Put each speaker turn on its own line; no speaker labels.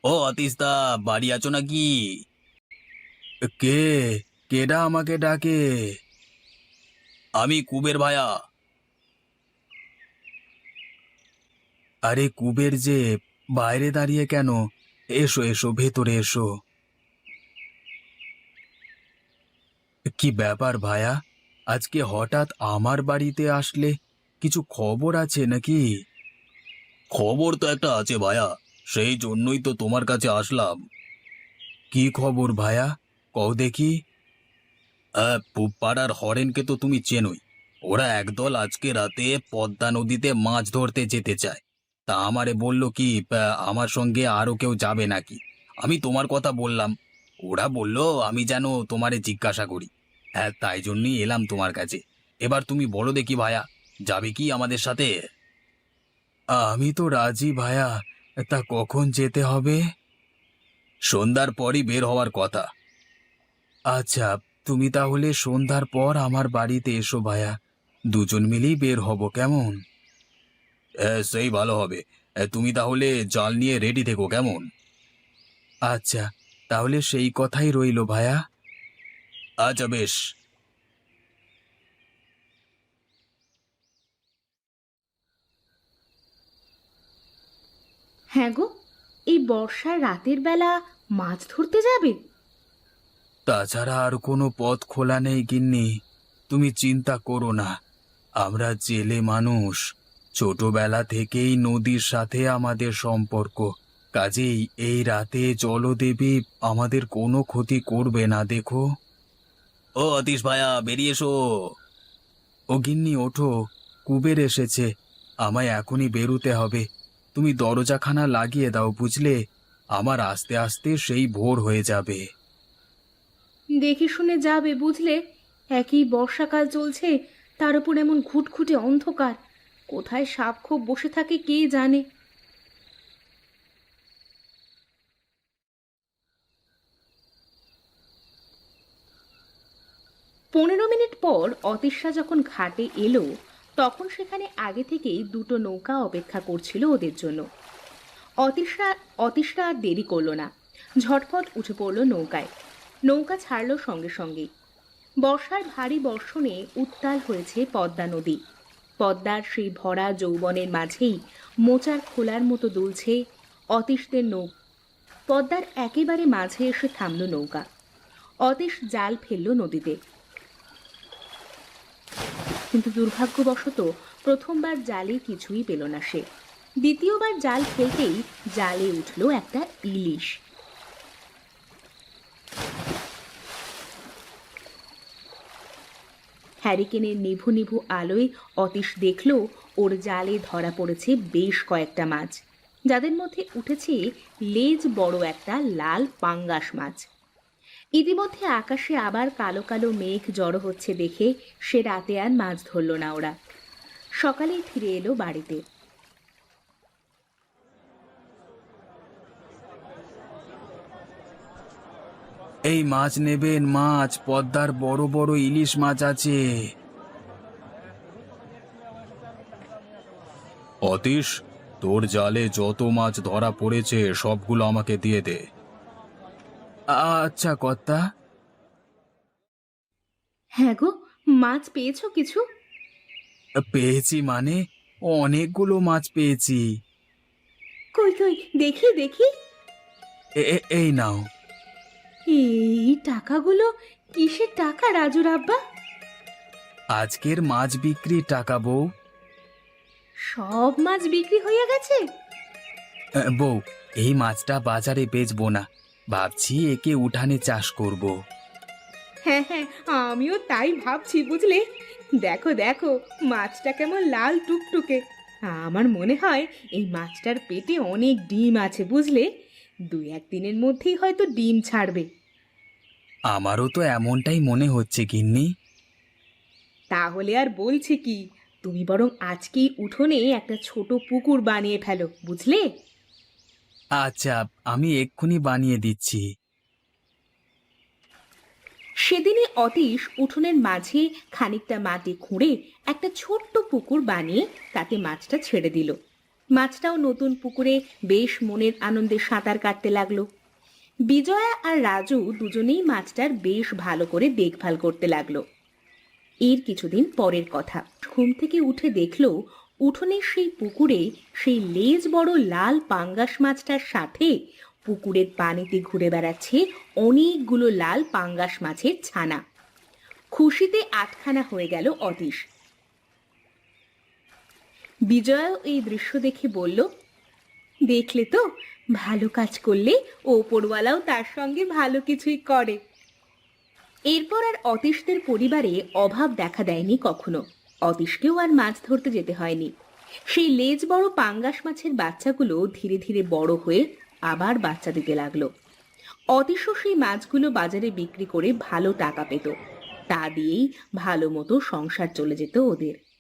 ও অতীশদা, বাড়ি আছো নাকি? কে? কেডা আমাকে ডাকে? আমি কুবের ভায়া। আরে কুবের যে, বাইরে দাঁড়িয়ে কেন? এসো এসো, ভেতরে এসো। কি ব্যাপার ভায়া, আজকে হঠাৎ আমার বাড়িতে আসলে? কিছু খবর আছে নাকি? খবর তো একটা আছে ভায়া, সেই জন্যই তো তোমার কাছে আসলাম। কি খবর ভায়া, কও দেখি। পাড়ার হরেনকে তো তুমি চেনোই। ওরা একদল আজকে রাতে পদ্মা নদীতে মাছ ধরতে যেতে চায়। তা আমারে বলল কি, আমার সঙ্গে আরো কেউ যাবে নাকি। আমি তোমার কথা বললাম। ওরা বলল আমি যেন তোমারে জিজ্ঞাসা করি। হ্যাঁ, তাই জন্যই এলাম তোমার কাছে। এবার তুমি বলো দেখি ভায়া, যাবে কি আমাদের সাথে? আমি তো রাজি ভায়া, তা কখন যেতে হবে? সন্ধ্যার পরই বের হওয়ার কথা। আচ্ছা, তুমি তাহলে সন্ধ্যার পর আমার বাড়িতে এসো ভায়া, দুজন মিলেই বের হব, কেমন? সেই ভালো হবে। তুমি তাহলে জাল নিয়ে রেডি থেকো, কেমন? আচ্ছা, তাহলে সেই কথাই রইলো ভায়া। আচ্ছা, বেশ।
হ্যাঁ গো, এই বর্ষার রাতের বেলা মাছ ধরতে যাবে?
তাছাড়া আর কোনো পথ খোলা নেই গিন্নি, তুমি চিন্তা করো না। আমরা জেলে মানুষ, ছোটবেলা থেকেই নদীর সাথে আমাদের সম্পর্ক। কাজেই এই রাতে জলদেবী আমাদের কোনো ক্ষতি করবে না, দেখো। ও অতীশ ভাইয়া, বেরিয়ে এসো। ও গিন্নি ওঠো, কুবের এসেছে। আমায় এখনই বেরুতে হবে। তুমি দরজাখানা লাগিয়ে দাও, বুঝলে? আমার আস্তে আস্তে সেই ভোর হয়ে যাবে।
দেখে শুনে যাবে, বুঝলে? একই বর্ষাকাল চলছে, তার উপর এমন ঘুটঘুটে অন্ধকার। কোথায় সাপ খোপ বসে থাকে কে জানে। 15 মিনিট পর অতীশরা যখন ঘাটে এলো, তখন সেখানে আগে থেকেই দুটো নৌকা অপেক্ষা করছিল ওদের জন্য। অতীশরা অতীশরা আর দেরি করলো না, ঝটপট উঠে পড়লো নৌকায়। নৌকা ছাড়লো সঙ্গে সঙ্গেই। বর্ষার ভারী বর্ষণে উত্তাল হয়েছে পদ্মা নদী। পদ্মার সেই ভরা যৌবনের মাঝেই মোচার খোলার মতো দুলছে অতীশদের নৌকা। পদ্মার একেবারে মাঝে এসে থামল নৌকা। অতীশ জাল ফেলল নদীতে, কিন্তু দুর্ভাগ্যবশত প্রথমবার জালে কিছুই পেল না সে। দ্বিতীয়বার জাল ফেলতেই জালে উঠল একটা ইলিশ। হ্যারিকেনের নিভু নিভু আলোয় অতীশ দেখল ওর জালে ধরা পড়েছে বেশ কয়েকটা মাছ, যাদের মধ্যে উঠেছে লেজ বড় একটা লাল পাঙ্গাস মাছ। ইতিমধ্যে আকাশে আবার কালো কালো মেঘ জড়ো হচ্ছে দেখে সে রাতে আর মাছ ধরল না ওরা। সকালেই ফিরে এলো বাড়িতে।
এই মাছ নেবেন, মাছ, পদ্মার বড় বড় ইলিশ মাছ আছে। অতীশ, তোর জালে যত মাছ ধরা পড়েছে সবগুলো আমাকে দিয়ে দে। আচ্ছা কর্তা।
হ্যাঁ গো, মাছ পেয়েছো কিছু?
পেয়েছি মানে, অনেকগুলো মাছ পেয়েছি।
কই কই, দেখি দেখি।
এই নাও।
এই টাকাগুলো কিসের টাকা রাজুর আব্বা?
আজকের মাছ বিক্রির টাকা বউ।
সব মাছ বিক্রি হয়ে গেছে?
বউ, এই মাছটা বাজারে বেচবো না, ভাবছি একে উঠানে চাষ করব।
হ্যাঁ হ্যাঁ, আমিও তাই ভাবছি, বুঝলে? দেখো দেখো, মাছটা কেমন লাল টুকটুকে। আমার মনে হয় এই মাছটার পেটে অনেক ডিম আছে, বুঝলে? 2-1 দিনের মধ্যেই হয়তো ডিম ছাড়বে।
আমারও তো এমনটাই মনে হচ্ছে গিন্নি।
তাহলে আর বলছি কি, তুমি বরং আজকেই উঠোনে একটা ছোট পুকুর বানিয়ে ফেলো, বুঝলে?
আচ্ছা, আমি এক্ষুনি বানিয়ে দিচ্ছি।
সেদিনই অতীশ উঠোনের মাঝে খানিকটা মাটি খুঁড়ে একটা ছোট্ট পুকুর বানিয়ে তাতে মাছটা ছেড়ে দিল। মাছটাও নতুন পুকুরে বেশ মনের আনন্দে সাঁতার কাটতে লাগলো। বিজয়া আর রাজু দুজনেই মাছটার বেশ ভালো করে দেখভাল করতে লাগলো। এর কিছুদিন পরের কথা, ঘুম থেকে উঠে দেখলো উঠোনের সেই পুকুরে সেই লেজ বড় লাল পাঙ্গাস মাছটার সাথে পুকুরের পানিতে ঘুরে বেড়াচ্ছে অনেকগুলো লাল পাঙ্গাস মাছের ছানা। খুশিতে আটখানা হয়ে গেল অতীশ। বিজয়াও এই দৃশ্য দেখে বলল, দেখলে তো, ভালো কাজ করলে ওপরওয়ালাও তার সঙ্গে ভালো কিছুই করে। এরপর আর অতীশদের পরিবারে অভাব দেখা দেয়নি কখনো। অতীশকেও আর মাছ ধরতে যেতে হয়নি। সেই লেজ বড় পাঙ্গাস মাছের বাচ্চাগুলো ধীরে ধীরে বড় হয়ে আবার বাচ্চা দিতে লাগলো। অতীশও সেই মাছগুলো বাজারে বিক্রি করে ভালো টাকা পেত। তা দিয়েই ভালো মতো সংসার চলে যেত ওদের।